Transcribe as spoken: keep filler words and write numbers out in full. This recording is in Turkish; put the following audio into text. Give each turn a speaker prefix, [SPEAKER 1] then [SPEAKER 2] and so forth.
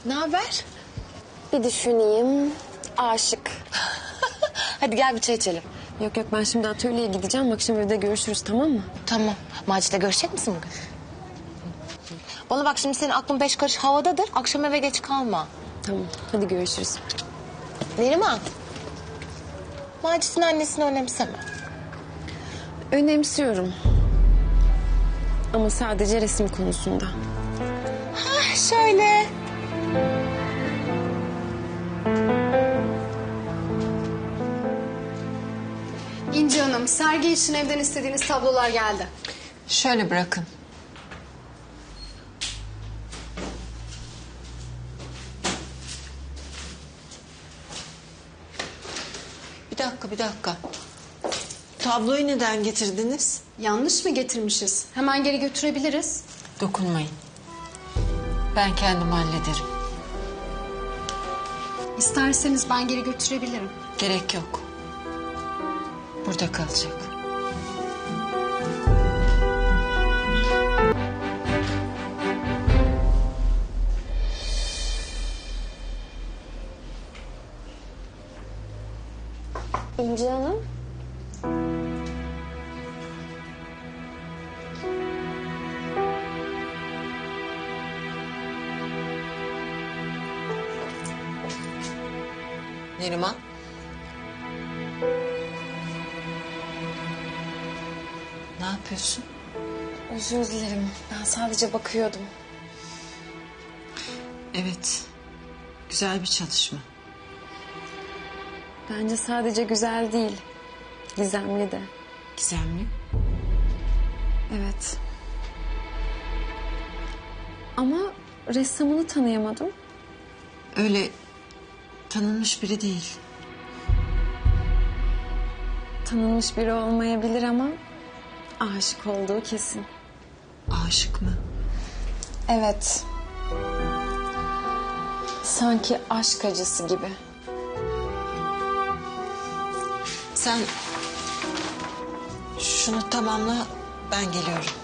[SPEAKER 1] Ne haber?
[SPEAKER 2] Bir düşüneyim. Aşık.
[SPEAKER 1] Hadi gel bir çay içelim.
[SPEAKER 2] Yok yok ben şimdi atölyeye gideceğim. Akşam evde görüşürüz tamam mı?
[SPEAKER 1] Tamam. Macit'le görüşecek misin bugün? Bana bak şimdi senin aklın beş karış havadadır. Akşam eve geç kalma.
[SPEAKER 2] Tamam hadi görüşürüz.
[SPEAKER 1] Neriman. Macit'in annesini önemseme.
[SPEAKER 2] Önemsiyorum. Ama sadece resim konusunda.
[SPEAKER 1] Hah şöyle.
[SPEAKER 3] İnci Hanım, sergi için evden istediğiniz tablolar geldi.
[SPEAKER 4] Şöyle bırakın. Bir dakika, bir dakika. Tabloyu neden getirdiniz?
[SPEAKER 3] Yanlış mı getirmişiz? Hemen geri götürebiliriz.
[SPEAKER 4] Dokunmayın. Ben kendim hallederim.
[SPEAKER 3] İsterseniz ben geri götürebilirim.
[SPEAKER 4] Gerek yok. Burada kalacak.
[SPEAKER 2] İnci Hanım.
[SPEAKER 4] Neriman. Ne yapıyorsun?
[SPEAKER 2] Özür dilerim. Ben sadece bakıyordum.
[SPEAKER 4] Evet. Güzel bir çalışma.
[SPEAKER 2] Bence sadece güzel değil. Gizemli de.
[SPEAKER 4] Gizemli.
[SPEAKER 2] Evet. Ama ressamını tanıyamadım.
[SPEAKER 4] Öyle tanınmış biri değil.
[SPEAKER 2] Tanınmış biri olmayabilir ama aşık olduğu kesin.
[SPEAKER 4] Aşık mı?
[SPEAKER 2] Evet. Sanki aşk acısı gibi.
[SPEAKER 4] Sen şunu tamamla, ben geliyorum.